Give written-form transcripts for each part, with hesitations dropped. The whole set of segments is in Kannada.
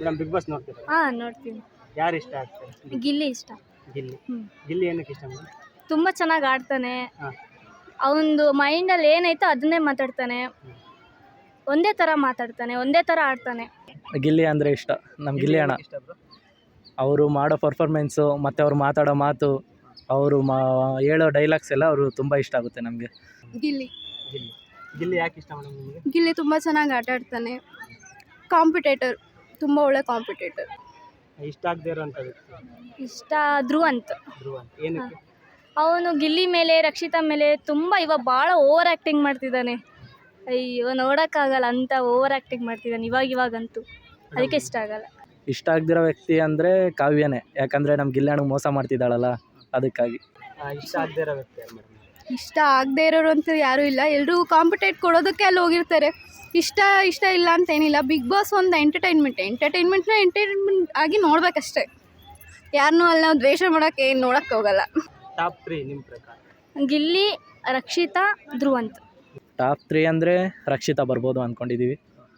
ಮೇಡಮ್ ಬಿಗ್ ಬಾಸ್ ನೋಡ್ತೀರಾ? ನೋಡ್ತೀನಿ. ಯಾರು ಇಷ್ಟ ಆಗ್ತಾರೆ? ಗಿಲ್ಲಿ ಇಷ್ಟ. ಗಿಲ್ಲಿ. ಹ್ಮ್. ಗಿಲ್ಲಿ ಏನಕ್ಕೆ ಇಷ್ಟ ಮೇಡಮ್? ತುಂಬ ಚೆನ್ನಾಗಿ ಆಡ್ತಾನೆ. ಹಾ. ಅವನದು ಮೈಂಡಲ್ಲಿ ಏನೈತೋ ಅದನ್ನೇ ಮಾತಾಡ್ತಾನೆ. ಒಂದೇ ಥರ ಮಾತಾಡ್ತಾನೆ, ಒಂದೇ ಥರ ಆಡ್ತಾನೆ. ಗಿಲ್ಲಿ ಅಂದರೆ ಇಷ್ಟ. ನಮ್ಮ ಗಿಲ್ಲಿ ಅಣ್ಣ ಏನಕ್ಕೆ ಇಷ್ಟ ಬ್ರೋ? ಅವರು ಮಾಡೋ ಪರ್ಫಾರ್ಮೆನ್ಸು ಮತ್ತು ಅವ್ರು ಮಾತಾಡೋ ಮಾತು, ಅವರು ಹೇಳೋ ಡೈಲಾಗ್ಸ್ ಎಲ್ಲ ಅವರು ತುಂಬ ಇಷ್ಟ ಆಗುತ್ತೆ ನಮಗೆ. ಗಿಲ್ಲಿ ಗಿಲ್ಲಿ. ಗಿಲ್ಲಿ ಯಾಕೆ ಇಷ್ಟ ಮೇಡಮ್ ನಿಮಗೆ? ಗಿಲ್ಲಿ ತುಂಬ ಚೆನ್ನಾಗಿ ಆಟ ಆಡ್ತಾನೆ. ಕಾಂಪಿಟೇಟರ್, ತುಂಬ ಒಳ್ಳೆ ಕಾಂಪಿಟೇಟರ್. ಇಷ್ಟ ಆಗದೆ ಇರೋಂಥ ವ್ಯಕ್ತಿ ಇಷ್ಟ ಧ್ರುವಂತ್. ಧ್ರುವ ಅಂತ. ಏನಕ್ಕೆ? ಅವನು ಗಿಲ್ಲಿ ಮೇಲೆ ರಕ್ಷಿತಾ ಮೇಲೆ ತುಂಬ ಇವಾಗ ಭಾಳ ಓವರ್ ಆ್ಯಕ್ಟಿಂಗ್ ಮಾಡ್ತಿದ್ದಾನೆ. ಅಯ್ಯೋ ನೋಡೋಕ್ಕಾಗಲ್ಲ, ಅಂತ ಓವರ್ ಆ್ಯಕ್ಟಿಂಗ್ ಮಾಡ್ತಿದ್ದಾನೆ ಇವಾಗಂತೂ. ಅದಕ್ಕೆ ಇಷ್ಟ ಆಗಲ್ಲ. ಇಷ್ಟ ಆಗದಿರೋ ವ್ಯಕ್ತಿ ಅಂದರೆ ಕಾವ್ಯನೇ. ಯಾಕಂದರೆ ನಮ್ಮ ಗಿಲ್ಲಿ ಅಣ್ಣಗೆ ಮೋಸ ಮಾಡ್ತಿದ್ದಾಳಲ್ಲ, ಅದಕ್ಕಾಗಿ. ಇಷ್ಟ ಆಗದೆ ಇರೋ ವ್ಯಕ್ತಿ ಯಾರು ಮೇಡಮ್? ಇಷ್ಟ ಆಗದೆ ಇರೋರು ಅಂತ ಯಾರೂ ಇಲ್ಲ. ಎಲ್ಲರೂ ಕಾಂಪಿಟೇಟ್ ಕೊಡೋದಕ್ಕೆ ಅಲ್ಲಿ ಹೋಗಿರ್ತಾರೆ. ಇಷ್ಟ ಇಲ್ಲ ಅಂತೇನಿಲ್ಲ. ಬಿಗ್ ಬಾಸ್ ಒಂದು ಎಂಟರ್ಟೈನ್ಮೆಂಟ್ ಆಗಿ ನೋಡ್ಬೇಕಷ್ಟೇ. ಯಾರನ್ನೂ ಅಲ್ಲಿ ನಾವು ದ್ವೇಷ ಮಾಡೋಕ್ಕೆ ನೋಡೋಕ್ಕೆ ಹೋಗಲ್ಲ. ಟಾಪ್ 3 ನಿಮ್ಮ ಪ್ರಕಾರ? ಗಿಲ್ಲಿ, ರಕ್ಷಿತಾ, ಧ್ರುವಂತ್. ಟಾಪ್ 3 ಅಂದರೆ ರಕ್ಷಿತಾ ಬರ್ಬೋದು ಅಂದ್ಕೊಂಡಿದ್ದೀವಿ.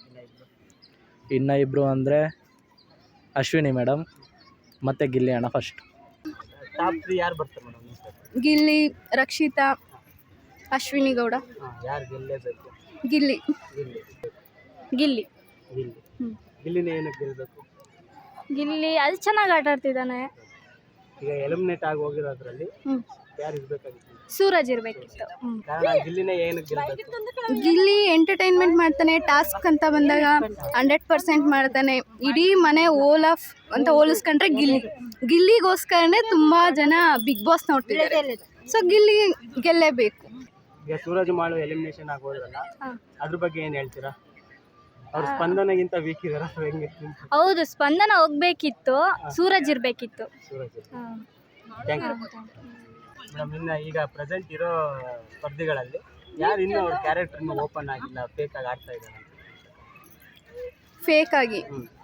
ಇನ್ನು ಇಬ್ಬರು ಅಂದರೆ ಅಶ್ವಿನಿ ಮೇಡಮ್ ಮತ್ತು ಗಿಲ್ಲಿ ಅಣ್ಣ ಫಸ್ಟ್. ಟಾಪ್ 3 ಯಾರು ಬರ್ತಾರೆ ಮೇಡಮ್ ನಿಮ್ಮ ಪ್ರಕಾರ? ಗಿಲ್ಲಿ, ರಕ್ಷಿತಾ, ಅಶ್ವಿನಿ ಗೌಡ. ಯಾರು ಗೆಲ್ಲೇಬೇಕು? ಗಿಲ್ಲಿ. ಗಿಲ್ಲಿ. ಗಿಲ್ಲಿ. ಗಿಲ್ಲಿ. ಹ್ಮ್. ಗಿಲ್ಲಿನೇ ಏನಕ್ಕೆ ಗೆಲ್ಲಬೇಕು? ಗಿಲ್ಲಿ ಅದು ಚೆನ್ನಾಗಿ ಆಟ ಆಡ್ತಿದ್ದಾನೆ. ಈಗ ಎಲಿಮಿನೇಟ್ ಆಗಿ ಹೋಗಿರೋದ್ರಲ್ಲಿ ಹ್ಞೂ. ಯಾರು ಇರಬೇಕಾಗಿತ್ತು? ಸೂರಜ್ ಇರಬೇಕಿತ್ತು. ಕಾರಣ ಗಿಲ್ಲಿನೇ ಏನಕ್ಕೆ ಗೆಲ್ಲಬೇಕು? ಗಿಲ್ಲಿ ಎಂಟರ್ಟೈನ್ಮೆಂಟ್ ಮಾಡ್ತಾನೆ. ಟಾಸ್ಕ್ ಅಂತ ಬಂದಾಗ 100% ಮಾಡ್ತಾನೆ. ಇಡೀ ಮನೆ ಅಂತ ಹೋಲಿಸ್ಕೊಂಡ್ರೆ ಗಿಲ್ಲಿಗೋಸ್ಕರನೇ ತುಂಬ ಜನ ಬಿಗ್ ಬಾಸ್ ನೋಡ್ತಿದ್ದಾರೆ. ಸೊ ಗಿಲ್ಲಿ ಗೆಲ್ಲೇಬೇಕು. ಈಗ ಸೂರಜ್ ಮಾಳು ಎಲಿಮಿನೇಷನ್ ಆಗಿ ಹೋದ್ರಲ್ಲ, ಹಾ. ಅದ್ರ ಬಗ್ಗೆ ಏನು ಹೇಳ್ತೀರಾ? ಅವ್ರ ಸ್ಪಂದನಗಿಂತ ವೀಕ್ ಇದಾರ ಹೆಂಗೆ? ಹೌದು, ಸ್ಪಂದನ ಹೋಗ್ಬೇಕಿತ್ತು, ಸೂರಜ್ ಇರಬೇಕಿತ್ತು. ಸೂರಜ್. Thank you madam. ಇನ್ನು ಈಗ ಪ್ರೆಸೆಂಟ್ ಇರೋ ಸ್ಪರ್ಧಿಗಳಲ್ಲಿ ಯಾರು ಇನ್ನೂ ಅವ್ರ ಕ್ಯಾರೆಕ್ಟರ್ನ ಓಪನ್ ಆಗಿಲ್ಲ, ಫೇಕ್ ಆಗಿ ಆಡ್ತಾ ಇದ್ದಾರೆ? ಫೇಕ್ ಆಗಿ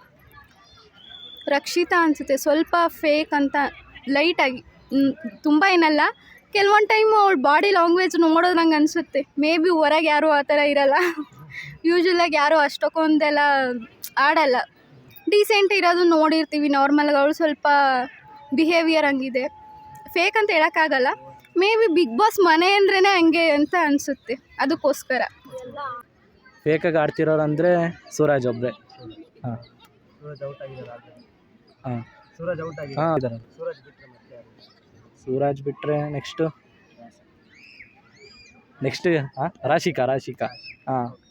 ರಕ್ಷಿತಾ ಅನಿಸುತ್ತೆ. ಸ್ವಲ್ಪ ಫೇಕ್ ಅಂತ ಲೈಟಾಗಿ, ತುಂಬ ಏನಲ್ಲ. ಕೆಲವೊಂದು ಟೈಮು ಅವಳ ಬಾಡಿ ಲ್ಯಾಂಗ್ವೇಜ್ ನೋಡೋದು ನಂಗೆ ಅನಿಸುತ್ತೆ. ಮೇ ಬಿ ಹೊರಗೆ ಯಾರೂ ಆ ಥರ ಇರಲ್ಲ. ಯೂಶ್ವಲಾಗಿ ಯಾರೂ ಅಷ್ಟೊಂದೆಲ್ಲ ಆಡಲ್ಲ. ಡೀಸೆಂಟ್ ಇರೋದು ನೋಡಿರ್ತೀವಿ ನಾರ್ಮಲ್ಗೆ. ಅವಳು ಸ್ವಲ್ಪ ಬಿಹೇವಿಯರ್ ಹಂಗಿದೆ. ಫೇಕ್ ಅಂತ ಹೇಳೋಕ್ಕಾಗಲ್ಲ. ಮೇ ಬಿ ಬಿಗ್ ಬಾಸ್ ಮನೆ ಅಂದ್ರೇ ಹಂಗೆ ಅಂತ ಅನಿಸುತ್ತೆ, ಅದಕ್ಕೋಸ್ಕರ. ಫೇಕಾಗಿ ಆಡ್ತಿರೋರು ಅಂದರೆ ಸೂರಜ್ ಒಬ್ಬರೇ. ಹಾಂ ಸೂರಜ್ ಔಟ್ ಆಗಿದ್ದಾರೆ. ಹಾಂ ಸೂರಜ್ ಔಟ್ ಆಗಿದೆ. ಹಾಂ ಇದ್ದಾರೆ. ಸೂರಜ್ ಬಿಟ್ಟರೆ ಮತ್ತೆ ಯಾರು? ಸೂರಜ್ ಬಿಟ್ಟರೆ ನೆಕ್ಸ್ಟು ಹಾಂ ರಾಶಿಕಾ. ಹಾಂ